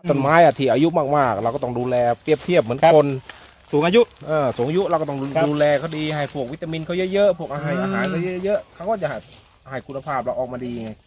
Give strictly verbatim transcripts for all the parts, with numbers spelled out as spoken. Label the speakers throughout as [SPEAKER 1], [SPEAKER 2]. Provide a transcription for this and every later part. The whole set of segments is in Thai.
[SPEAKER 1] ต้นไม้อะที่อายุมากๆเราก็ต้องดูแลเปรียบเทียบเหมือนคน
[SPEAKER 2] สูงอายุ
[SPEAKER 1] เออสูงอายุเราก็ต้องดูแลเขาดีให้พวกวิตามินเขาเยอะๆพวกอาหารอาหารเขาเยอะๆเขาก็จะให้คุณภาพเราออกมาดีไง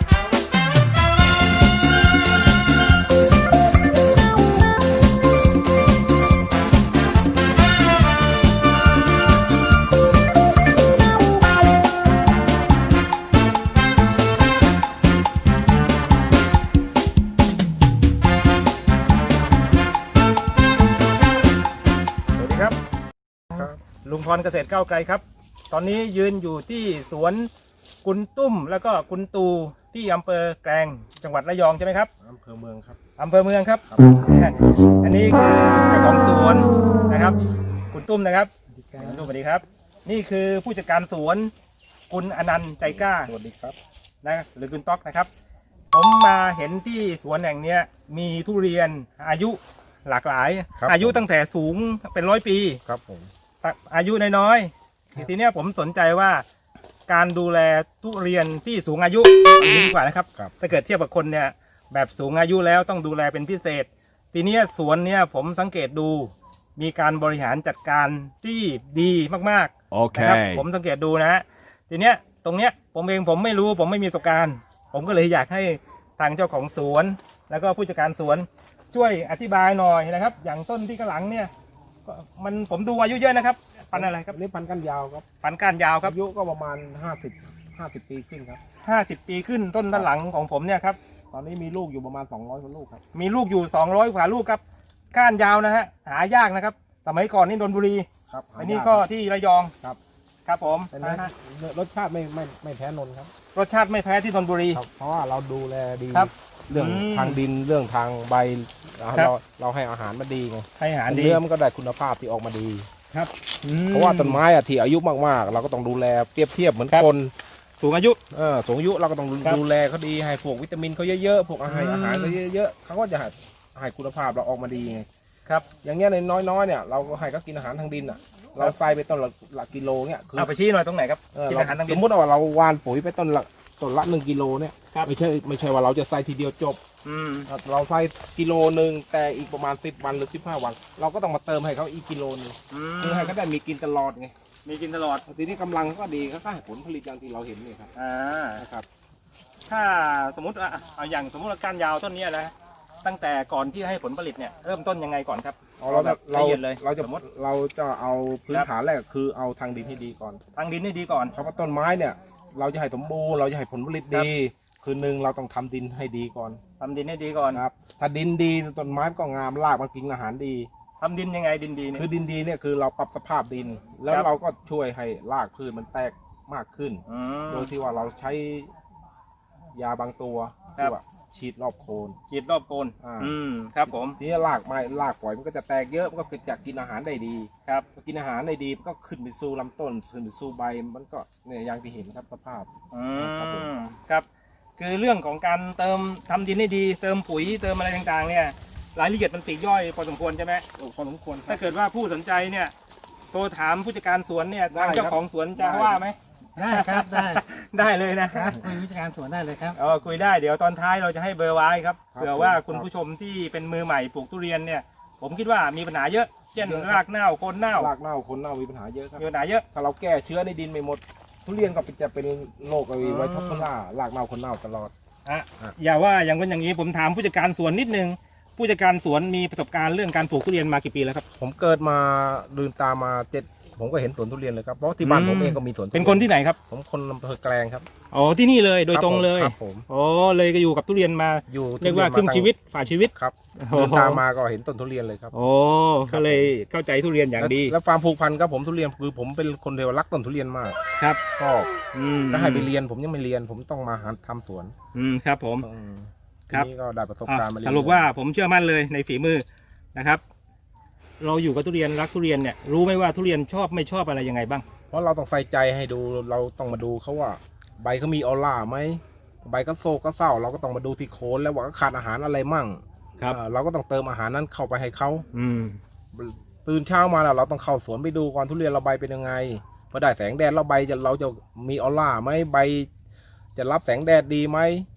[SPEAKER 2] ลุงพรเกษตรก้าวไกลครับตอนนี้ยืนอยู่ที่สวนกุนตุ้มแล้วก็กุนตูที่อำเภอแกลงจังหวัดระยองใช่ไหมครับ
[SPEAKER 1] อำเภอเมืองครับ
[SPEAKER 2] อำเภอเมืองครับอันนี้คือเจ้าของสวนนะครับกุนตุ้มนะครับกุนตุ้มสวัสดีครับนี่คือผู้จัดการสวนกุนอนันต์ใจกล้า
[SPEAKER 1] สวัสดีครับ
[SPEAKER 2] นะหรือกุนต๊อกนะครับผมมาเห็นที่สวนแห่งนี้มีทุเรียนอายุหลากหลายอายุตั้งแต่สูงเป็นร้อยปี
[SPEAKER 1] ครับผม
[SPEAKER 2] อายุน้อยๆทีนี้ผมสนใจว่าการดูแลทุเรียนที่สูงอายุดีกว่านะครับถ้าเกิดเทียบกับคนเนี่ยแบบสูงอายุแล้วต้องดูแลเป็นพิเศษทีนี้สวนเนี่ยผมสังเกตดูมีการบริหารจัดการที่ดีมากๆ
[SPEAKER 1] okay.
[SPEAKER 2] นะครับผมสังเกตดูนะทีเนี้ยตรงเนี้ยผมเองผมไม่รู้ผมไม่มีประสบการณ์ผมก็เลยอยากให้ทางเจ้าของสวนแล้วก็ผู้จัดการสวนช่วยอธิบายหน่อยนะครับอย่างต้นที่ข้างหลังเนี่ยมันผมดูอายุเยอะนะครับพันอะไรครับ
[SPEAKER 1] นี่พันก้านยาวครับ
[SPEAKER 2] พันก้านยาวครับ
[SPEAKER 1] อายุก็ประมาณห้าสิบ ห้าสิบปีขึ้นครับ
[SPEAKER 2] ห้าสิบปีขึ้นต้นด้านหลังของผมเนี่ยครับ
[SPEAKER 1] ตอนนี้มีลูกอยู่ประมาณสองร้อยกว่าลูกครับ
[SPEAKER 2] มีลูกอยู่สองร้อยกว่าลูกครับก้านยาวนะฮะหายากนะครับสมัยก่อนนี่นนทบุรี
[SPEAKER 1] ครับ
[SPEAKER 2] อันนี้ก็ที่ระยอง
[SPEAKER 1] ครับ
[SPEAKER 2] ครับผม
[SPEAKER 1] รสชาติไม่ไม่ไม่แพ้นนครับ
[SPEAKER 2] รสชาติไม่แพ้ที่นนทบุรี
[SPEAKER 1] เพราะว่าเราดูแลดี
[SPEAKER 2] ครับ
[SPEAKER 1] เรื่องทางดินเรื่องทางใบเราเราให้อาหารมันดีไง
[SPEAKER 2] ให้อาหารดี
[SPEAKER 1] เนื้อมันก็ได้คุณภาพที่ออกมาดี
[SPEAKER 2] ครับ
[SPEAKER 1] เพราะว่าต้นไม้อะที่อายุมากๆเราก็ต้องดูแลเปรียบเทียบเหมือนคน
[SPEAKER 2] สูงอายุ
[SPEAKER 1] เออสูงอายุเราก็ต้องดูแลเขาดีให้พวกวิตามินเขาเยอะๆพวกอาหารอาหารเขาเยอะๆเขาก็จะให้คุณภาพเราออกมาดีไง
[SPEAKER 2] ครับ
[SPEAKER 1] อย่างเงี้ยในน้อยๆเนี่ยเราก็ให้เขากินอาหารทางดินอ่ะเราใส่ไปต้นละกิโลเนี่ย
[SPEAKER 2] เอาไปชี้หน่อยตรงไหนครับกินอาหารทางดิน
[SPEAKER 1] สมมติว่าเราหว่านปุ๋ยไปต้นละต้นละหนึ่งกิโลเนี่ยไม่ใช่ไม่ใช่ว่าเราจะใส่ทีเดียวจบเราใส่กิโลหนึ่งแต่อีกประมาณสิบวันหรือสิบห้าวันเราก็ต้องมาเติมให้เขาอีกกิโลนึงเพื่อให้เขาได้มีกินตลอดไง
[SPEAKER 2] มีกินตลอด
[SPEAKER 1] ทีนี้กำลังก็ดีเขาก็ให้ผลผลิตอย่างที่เราเห็นนี่ครับ
[SPEAKER 2] อ่า
[SPEAKER 1] นะครับ
[SPEAKER 2] ถ้าสมมติเอาอย่างสมมติว่าก้านยาวต้นนี้นะตั้งแต่ก่อนที่ให้ผลผลิตเนี่ยเริ่มต้นยังไงก่อนครับ
[SPEAKER 1] เราแบบละเอียดเลยเราจะเราจะเอาพื้นฐานแรกคือเอาทางดินให้ดีก่อน
[SPEAKER 2] ทางดินให้ดีก่อน
[SPEAKER 1] เพราะว่าต้นไม้เนี่ยเราจะให้สมบูรณ์เราจะให้ผลผลิตดีคือหนึ่งเราต้องทำดินให้ดีก่อน
[SPEAKER 2] ทำดินให้ดีก่อน
[SPEAKER 1] ครับถ้าดินดีต้นไม้ก็งามรากมันกินอาหารดี
[SPEAKER 2] ทำดินยังไงดินดีเนี่ย
[SPEAKER 1] คือดินดีเนี่ยคือเราปรับสภาพดินแล้วเราก็ช่วยให้รากพืชมันแตกมากขึ้นโดยที่ว่าเราใช้ยาบางตัวที่ว่าฉีดรอบโคน
[SPEAKER 2] ฉีดรอบโคนอืมครับผม
[SPEAKER 1] ทีนี้รากไม้รากฝอยมันก็จะแตกเยอะมันก็จะกินอาหารได้ดี
[SPEAKER 2] ครับ
[SPEAKER 1] กินอาหารได้ดีมันก็ขึ้นไปสู่ลำต้นขึ้นไปสู่ใบมันก็เนี่ยอย่างที่เห็นครับสภาพ
[SPEAKER 2] อืมครับคือเรื่องของการเติมทำดินให้ดีเติมปุ๋ยเติมอะไรต่างๆเนี่ยรายละเอียดมันปลีกย่อยพอสมควรใช่ไหม
[SPEAKER 1] พอสมควร
[SPEAKER 2] ถ้าเกิดว่าผู้สนใจเนี่ยโทรถามผู้จัดการสวนเนี่ยทางเจ้าของสวนจะว่าไหม
[SPEAKER 3] ได้ครับได้
[SPEAKER 2] ได้เลยนะครับ
[SPEAKER 3] คุยวิชาการสวนได้เลยครับ
[SPEAKER 2] อ๋อคุยได้เดี๋ยวตอนท้ายเราจะให้เบอร์ไว้ครับเผื่อว่าคุณผู้ชมที่เป็นมือใหม่ปลูกทุเรียนเนี่ยผมคิดว่ามีปัญหาเยอะเช่นรากเน่าโคนเน่าร
[SPEAKER 1] ากเน่าโคนเน่ามีปัญหาเยอะครับ
[SPEAKER 2] มีปัญหาเยอะ
[SPEAKER 1] ถ้าเราแก้เชื้อในดินไม่หมดทุเรียนก็จะเป็นโรคอะไรไวท็อปล่ารากเน่าโคนเน่าตลอด
[SPEAKER 2] อ่ะอย่าว่าอย่างคนอย่างนี้ผมถามผู้จัดการสวนนิดนึงผู้จัดการสวนมีประสบการณ์เรื่องการปลูกทุเรียนมากี่ปีแล้วครับ
[SPEAKER 1] ผมเกิดมาลืมตามาเจ็ดผมก็เห็นสวนทุเรียนเลยครับเพราะที่บ้านผมเองก็มีสวน
[SPEAKER 2] เป็นคนที่ไหนครับ
[SPEAKER 1] ผมคนอำเภอแกลงครับ
[SPEAKER 2] อ๋อที่นี่เลยโดยตรงเลย
[SPEAKER 1] ครับผม
[SPEAKER 2] อ๋อเลยก็อยู่กับทุเรียนมา
[SPEAKER 1] อยู่
[SPEAKER 2] เรียกว่าครึ่งชีวิตฝ่าชีวิต
[SPEAKER 1] ครับลืมตามาก็เห็นต้นทุเรียนเลยครับ
[SPEAKER 2] โอ้ก็เลยเข้าใจทุเรียนอย่างดี
[SPEAKER 1] แล้วความผูกพันกับผมทุเรียนคือผมเป็นคนเดียวรักต้นทุเรียนมาก
[SPEAKER 2] ครับ
[SPEAKER 1] ก็ถ้าให้ไปเรียนผมยังไม่เรียนผมต้องมาหาทำสวน
[SPEAKER 2] อืมครับผม
[SPEAKER 1] ครับนี่ก็ได้ประสบการณ์มา
[SPEAKER 2] สรุปว่าผมเชื่อมั่นเลยในฝีมือนะครับเราอยู่กับทุเรียนรักทุเรียนเนี่ยรู้ไหมว่าทุเรียนชอบไม่ชอบอะไรยังไงบ้าง
[SPEAKER 1] เพราะเราต้องใส่ใจให้ดูเราต้องมาดูเขาว่าใบเขามีออร่าไหมใบก็โซก็เศร้าเราก็ต้องมาดูที่โคนแล้วว่าขาดอาหารอะไรมั่ง
[SPEAKER 2] ครับ
[SPEAKER 1] เราก็ต้องเติมอาหารนั้นเข้าไปให้เขา
[SPEAKER 2] อืม
[SPEAKER 1] ตื่นเช้ามาแล้วเราต้องเข้าสวนไปดูก่อนทุเรียนเราใบเป็นยังไงพอได้แสงแดดเราใบจะเราจะมีออร่าไหมใบจะรับแสงแดดดีไหม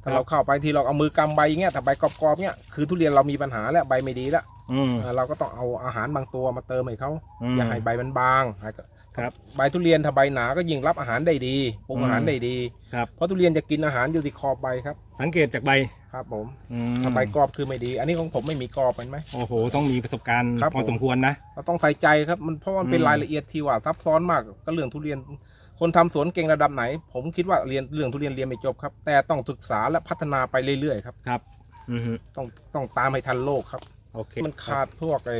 [SPEAKER 1] ถ้าเราเข้าไปทีเราเอามือกำใบอย่างเงี้ยถ้าใบกรอบๆเงี้ยคือทุเรียนเรามีปัญหาแล้วใบไม่ดีแล้ว
[SPEAKER 2] อืม
[SPEAKER 1] เราก็ต้องเอาอาหารบางตัวมาเติมให้เขา
[SPEAKER 2] อืม
[SPEAKER 1] อย่าให้ใบมันบาง
[SPEAKER 2] ครับ
[SPEAKER 1] ใบทุเรียนถ้าใบหนาก็ยิ่งรับอาหารได้ดีปรุงอาหารได้ดี
[SPEAKER 2] ครับ
[SPEAKER 1] เพราะทุเรียนจะกินอาหารอยู่ที่ขอบใบครับ
[SPEAKER 2] สังเกตจากใบ
[SPEAKER 1] ครับผม
[SPEAKER 2] อืม
[SPEAKER 1] ถ้าใบกรอบคือไม่ดี อันนี้ของผมไม่มีกรอบเห็นไหม
[SPEAKER 2] โอ้โหต้องมีประสบการณ์
[SPEAKER 1] ครับ
[SPEAKER 2] พอสมควรนะ
[SPEAKER 1] เราต้องใส่ใจครับมันเพราะมันเป็น
[SPEAKER 2] อืม
[SPEAKER 1] รายละเอียดที่ว่าซับซ้อนมากก็เรื่องทุเรียน คนทำสวนเก่งระดับไหน ผมคิดว่าเรียนเรื่องทุเรียนเรียนไม่จบครับ แต่ต้องศึกษาและพัฒนาไปเรื่อยๆครับ
[SPEAKER 2] ครับอือฮึ
[SPEAKER 1] ต้องต้องตามให้ทันโลกครับ
[SPEAKER 2] โอเค
[SPEAKER 1] มันขาดพวกไอ้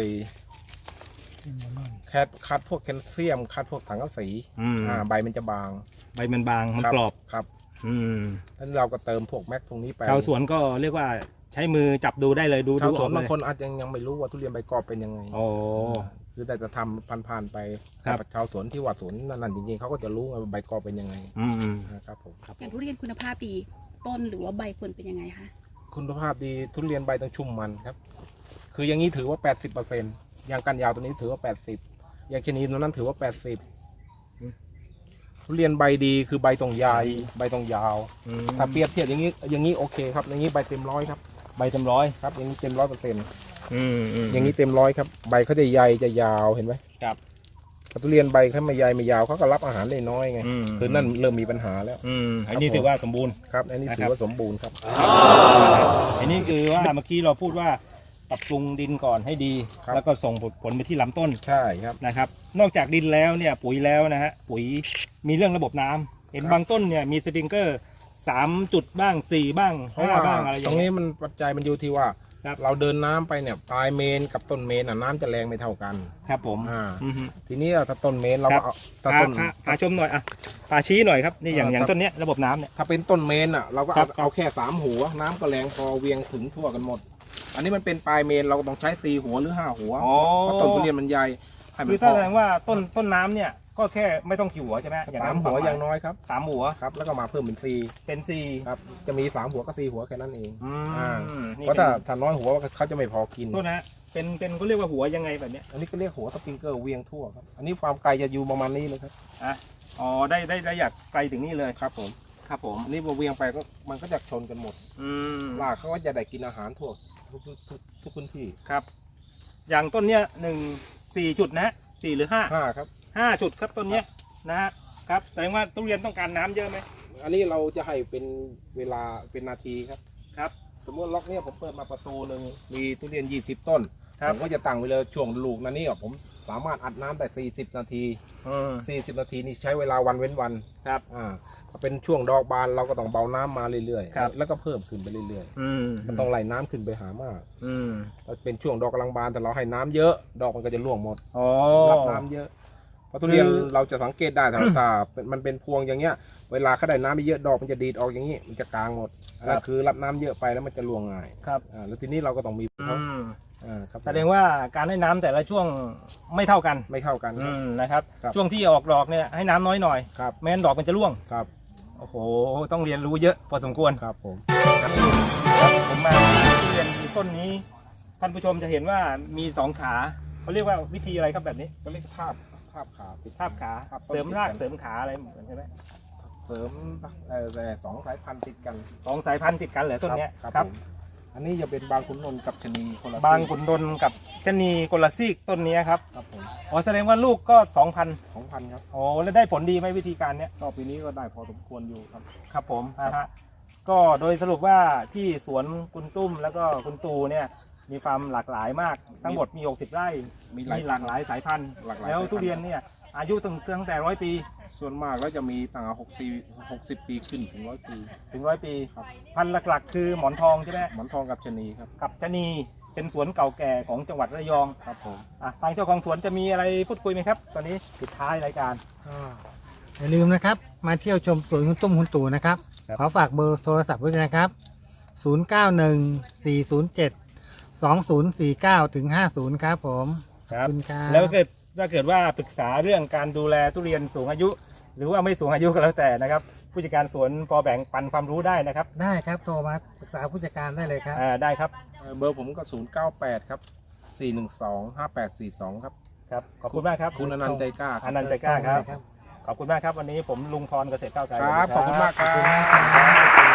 [SPEAKER 1] แคดขาดพวกแคลเซียมขาดพวกสังกะสี
[SPEAKER 2] อืม
[SPEAKER 1] อ่าใบมันจะบาง
[SPEAKER 2] ใบมันบางมัน
[SPEAKER 1] ค
[SPEAKER 2] กรอบ
[SPEAKER 1] ครับ
[SPEAKER 2] อืม
[SPEAKER 1] แล้วเราก็เติมพวกแม็กตรงนี้ไป
[SPEAKER 2] ชาวสวนก็เรียกว่าใช้มือจับดูได้เลยดู
[SPEAKER 1] ชา
[SPEAKER 2] ดู
[SPEAKER 1] ว
[SPEAKER 2] อ
[SPEAKER 1] สว
[SPEAKER 2] อน กเล
[SPEAKER 1] บาง
[SPEAKER 2] ย
[SPEAKER 1] คนอาจจะยังไม่รู้ว่าทุเรียนใบกรอบเป็นยังไง
[SPEAKER 2] โอ้
[SPEAKER 1] คือแต่จะทำผ่านๆไป
[SPEAKER 2] ครับ
[SPEAKER 1] แต่ชาวสวนที่ว่าสวนนั่นๆจริงๆเขาก็จะรู้ว่าใบกรอบเป็นยังไง
[SPEAKER 2] อืมอืม
[SPEAKER 1] นะครับผม
[SPEAKER 4] อย่างทุเรียนคุณภาพดีต้นหรือว่าใบควรเป็นยังไงคะ
[SPEAKER 1] คุณภาพดีทุเรียนใบต้องชุ่มมันครับ คืออย่างนี้ถือว่า แปดสิบเปอร์เซ็นต์ อย่างกันยาวตัวนี้ถือว่า แปดสิบ อย่างชะนีตัวนั้นถือว่า แปดสิบ ทุเรียนใบดีคือใบตรงใหญ่ใบตรงยาว
[SPEAKER 2] อืม
[SPEAKER 1] ถ้าเปรียบเทียบอย่างนี้อย่างนี้โอเคครับ อย่างนี้ใบเต็มร้อยครับ
[SPEAKER 2] ใบเต็มร้อย
[SPEAKER 1] ครับ อย่างนี้เต็มร้อยเปอร์เซ็นต์
[SPEAKER 2] อืมอืม
[SPEAKER 1] อย่างนี้เต็มร้อยครับใบเขาจะใหญ่จะยาวเห็นไหม
[SPEAKER 2] ครับ
[SPEAKER 1] ถ้าทุเรียนใบเขาไม่ใหญ่ไม่ยาวเขาก็รับอาหารได้น้อยไง
[SPEAKER 2] อืม
[SPEAKER 1] คือนั่นเริ่มมีปัญหาแล้ว
[SPEAKER 2] อืมอันนี้ถือว่าสมบูรณ์
[SPEAKER 1] ครับอันนี้ถือว่าสมบูรณ์ครับ
[SPEAKER 2] อันนี้คือว่าเมื่อกี้เราพูดว่าปรับปรุงดินก่อนให้ดี
[SPEAKER 1] ครับ
[SPEAKER 2] แล้วก็ส่งผลผลไปที่ลำต้น
[SPEAKER 1] ใช่ครับ
[SPEAKER 2] นะครับ นอกจากดินแล้วเนี่ยปุ๋ยแล้วนะฮะปุ๋ยมีเรื่องระบบน้ำเห็น
[SPEAKER 1] ครับ
[SPEAKER 2] บางต้นเนี่ยมีสปริงเกอร์สามจุดบ้างสี่บ้าง
[SPEAKER 1] เพราะ
[SPEAKER 2] ห้า
[SPEAKER 1] ว่า
[SPEAKER 2] บ้างอะไรอ
[SPEAKER 1] ต
[SPEAKER 2] ย่า
[SPEAKER 1] รง ง
[SPEAKER 2] เงี้
[SPEAKER 1] นี้
[SPEAKER 2] ย
[SPEAKER 1] มันปัจจัยมันอยู่ที่ว่า
[SPEAKER 2] ครับ
[SPEAKER 1] เราเดินน้ำไปเนี่ยปลายเมนกับต้นเมนน่ะน้ำจะแรงไม่เท่ากัน
[SPEAKER 2] ครับผม
[SPEAKER 1] อ่า
[SPEAKER 2] อือฮึ
[SPEAKER 1] ทีนี้ถ้าต้นเมนเรา
[SPEAKER 2] ครั
[SPEAKER 1] ก็
[SPEAKER 2] บ
[SPEAKER 1] เอาถ้า
[SPEAKER 2] พา
[SPEAKER 1] ต้น
[SPEAKER 2] พาพาชมหน่อยอ่ะพาชี้หน่อยครับนี่อย่าง
[SPEAKER 1] อ่า
[SPEAKER 2] อย่าง
[SPEAKER 1] ครับ
[SPEAKER 2] ต้นเนี้ยระบบน้ำเนี่ย
[SPEAKER 1] ถ้าเป็นต้นเมนอ่ะเราก็
[SPEAKER 2] ครั
[SPEAKER 1] เอา
[SPEAKER 2] บ
[SPEAKER 1] เอาแค่สามหัว น้ำก็แรงพอเวียงถึงทั่วกันหมด อันนี้มันเป็นปลายเมนเราก็ต้องใช้สี่หัวหรือห้าหัว
[SPEAKER 2] อ๋อ
[SPEAKER 1] เพราะต้นทุเรียนมันใหญ่ให้มั
[SPEAKER 2] คื
[SPEAKER 1] น
[SPEAKER 2] อ
[SPEAKER 1] พ
[SPEAKER 2] ถ้า
[SPEAKER 1] อ
[SPEAKER 2] แสดงว่าต้นต้นน้ำเนี่ยก็แค่ไม่ต้องกี่หัวใช่ไหม
[SPEAKER 1] สามหัวอย่างน้อยครับ
[SPEAKER 2] สามหัว
[SPEAKER 1] ครับ แล้วก็มาเพิ่มเป็นสี่
[SPEAKER 2] เป็นสี่
[SPEAKER 1] ครับจะมีสามหัวก็สี่หัวแค่นั้นเอง
[SPEAKER 2] อื
[SPEAKER 1] อ่า
[SPEAKER 2] มนี่
[SPEAKER 1] เพราะ
[SPEAKER 2] เป็
[SPEAKER 1] ถ้าน ถ้าน้อยหัวเขาจะไม่พอกิน
[SPEAKER 2] โทษนะเป็นเป็นเขาเรียกว่าหัวยังไงแบบเนี้ย
[SPEAKER 1] อันนี้ก็เรียกหัวสปริงเกอร์เวียงทั่วครับ อันนี้ความไกลจะอยู่ประมาณนี้เลยครับ
[SPEAKER 2] อ่ะอ๋อได้ได้ได้อยากไกลถึงนี่เลย
[SPEAKER 1] ครับผม
[SPEAKER 2] ครับผม
[SPEAKER 1] อันนี้พอเวียงไปก็มันก็จะชนกันหมด
[SPEAKER 2] อืม
[SPEAKER 1] รากเขาก็จะได้กินอาหารทั่วทุกทุกทุกทุกพื้นที่
[SPEAKER 2] ครับ อย่างต้นเนี้ยหนึ่งสี่จุดนะสี่หรือห้า
[SPEAKER 1] ห้าครับ
[SPEAKER 2] ห้าจุดครับต้นเนี้ยนะฮะครับแสดงว่าทุเรียนต้องการน้ำเยอะไหม
[SPEAKER 1] อันนี้เราจะให้เป็นเวลาเป็นนาทีครับ
[SPEAKER 2] ครับ
[SPEAKER 1] สมมติล็อกเนี้ยผมเปิดมาประตูหนึ่งมีทุเรียนยี่สิบต้น
[SPEAKER 2] ครับ
[SPEAKER 1] ผมก็จะตั้งเวลาช่วงลูกนั้นนี่ผมสามารถอัดน้ำได้สี่สิบนาที
[SPEAKER 2] อืม
[SPEAKER 1] สี่สิบนาทีนี่ใช้เวลาวันเว้นวัน
[SPEAKER 2] ครับ
[SPEAKER 1] อ่าถ้าเป็นช่วงดอกบานเราก็ต้องเบาน้ำมาเรื่อย
[SPEAKER 2] ครับ
[SPEAKER 1] ๆแล้วก็เพิ่มขึ้นไปเรื่อย
[SPEAKER 2] อืม
[SPEAKER 1] ๆมันต้องไหลน้ำขึ้นไปหามาก
[SPEAKER 2] อืม
[SPEAKER 1] ถ้าเป็นช่วงดอกกำลังบานแต่เราให้น้ำเยอะ ดอกมันก็จะร่วงหมด
[SPEAKER 2] อ๋อ
[SPEAKER 1] รับน้ำเยอะเพราะทุเรียน
[SPEAKER 2] คือ
[SPEAKER 1] เราจะสังเกตได้ถ้า ถ้ามันเป็นพวงอย่างเงี้ย เวลาเขาได้น้ำเยอะดอกมันจะดีดออกอย่างนี้มันจะกลางหมดอันนั่นคือรับน้ำเยอะไปแล้วมันจะร่วงง่าย
[SPEAKER 2] ครับ
[SPEAKER 1] อ่าแล้วทีนี้เราก็ต้องมี
[SPEAKER 2] อืม
[SPEAKER 1] อ่าครับ
[SPEAKER 2] แสดงว่าการให้น้ำแต่ละช่วงไม่เท่ากัน
[SPEAKER 1] ไม่เท่ากันค
[SPEAKER 2] อื
[SPEAKER 1] รับ
[SPEAKER 2] มนะครับ
[SPEAKER 1] ครับ
[SPEAKER 2] ช่วงที่ออกดอกเนี่ยให้น้ำน้อยหน่อย
[SPEAKER 1] ครับ
[SPEAKER 2] ไม่งั้นดอกมันจะร่วง
[SPEAKER 1] ครับ
[SPEAKER 2] โอ้โหต้องเรียนรู้เยอะพอสมควร
[SPEAKER 1] ครับผม
[SPEAKER 2] ครับผมมาทุเรียนต้นนี้ ท่านผู้ชมจะเห็นว่ามีสองขาเขาเรียกว่าวิธีอะไรครับแบบนี้
[SPEAKER 1] ก็เรียกทาบทาบขาติด
[SPEAKER 2] ทาบขา
[SPEAKER 1] ครับ
[SPEAKER 2] เสริมรากเสริมขาอะไรเหมือนใช่ไหม
[SPEAKER 1] เสริมเอ่อแต่สองสายพันธุ์ติดกัน
[SPEAKER 2] สองสายพันธุ์ติดกันเหรอต้นเนี้ย
[SPEAKER 1] ครับ
[SPEAKER 2] ครับ
[SPEAKER 1] ผมอันนี้จะเป็นบางขุนนนท์กับชะนีคนละ
[SPEAKER 2] บาง
[SPEAKER 1] ซีก
[SPEAKER 2] ขุนนนท์กับชะนีคนละซีกต้นนี้ครับ
[SPEAKER 1] ครับผม
[SPEAKER 2] อ๋อแสดงว่าลูกก็สองพัน
[SPEAKER 1] สองพันครับ
[SPEAKER 2] โอ้แล้วได้ผลดีไหมวิธีการเนี้ย
[SPEAKER 1] ก็ปีนี้ก็ได้พอสมควรอยู่ครับ
[SPEAKER 2] ครับผมนะฮะก็โดยสรุปว่าที่สวนคุณตุ้มแล้วก็คุณตูเนี่ยมีความหลากหลายมากทั้งหมดมีหกสิบไร่
[SPEAKER 1] มี
[SPEAKER 2] มีหลากหลายสายพันธุ์
[SPEAKER 1] หลากหลาย
[SPEAKER 2] แล้ว
[SPEAKER 1] สายพันธุ์
[SPEAKER 2] ทุเรียนเนี่ยอายุตั้งตั้งแต่ร้อยปี
[SPEAKER 1] ส่วนมากแล้วจะมีตั้งหกสิบหกสิบปีขึ้นถึงร้อยปี
[SPEAKER 2] ถึงร้อยปี
[SPEAKER 1] ครับ
[SPEAKER 2] พันธุ์หลักๆ คือหมอนทองใช่ไหม
[SPEAKER 1] หมอนทองกับชะนีครับ
[SPEAKER 2] กับชะนีเป็นสวนเก่าแก่ของจังหวัดระยอง
[SPEAKER 1] ครับผม
[SPEAKER 2] อ่ะทางเจ้าของสวนจะมีอะไรพูดคุยไหมครับ ตอนนี้สุดท้ายรายการ
[SPEAKER 3] อย่าลืมนะครับ มาเที่ยวชมสวนคุณตุ้มคุณตู่นะครับ
[SPEAKER 2] ครับ
[SPEAKER 3] ขอฝากเบอร์โทรศัพท์ไว้ด้วยนะครับ ศูนย์ เก้า หนึ่ง สี่ ศูนย์ เจ็ด สอง ศูนย์ สี่ เก้า ถึง ห้าศูนย์ ครับผม
[SPEAKER 2] ค
[SPEAKER 3] ข
[SPEAKER 2] รั
[SPEAKER 3] อบบ คุณครับ
[SPEAKER 2] แล้วเกิดถ้าเกิดว่าปรึกษาเรื่องการดูแลทุเรียนสูงอายุ หรือว่าไม่สูงอายุก็แล้วแต่นะครับ ผู้จัดการสวนพอแบ่งปันความรู้ได้นะครับ
[SPEAKER 3] ได้ครับโทรมาปรึกษาผู้จัดการได้เลยครับ
[SPEAKER 2] อ่าได้ครับ
[SPEAKER 1] เอ่อเบอร์ผมก็ศูนย์เก้าแปดครับสี่หนึ่งสองห้าแปดสี่สองครับ
[SPEAKER 2] ครับขอบคุณมากครับ
[SPEAKER 1] คุณอนันต์ใจกล้าค
[SPEAKER 2] อ
[SPEAKER 1] รับ
[SPEAKER 2] นันต์ใจกล้าครับ
[SPEAKER 3] ครับ
[SPEAKER 2] ขอบคุณมากครับวันนี้ผมลุงพรเกษตรก้าวไกล
[SPEAKER 1] ครับ ขอบคุณมากค
[SPEAKER 3] ขอบคุณ
[SPEAKER 1] รั
[SPEAKER 3] มาก
[SPEAKER 1] บ
[SPEAKER 3] ครับ
[SPEAKER 2] ครับ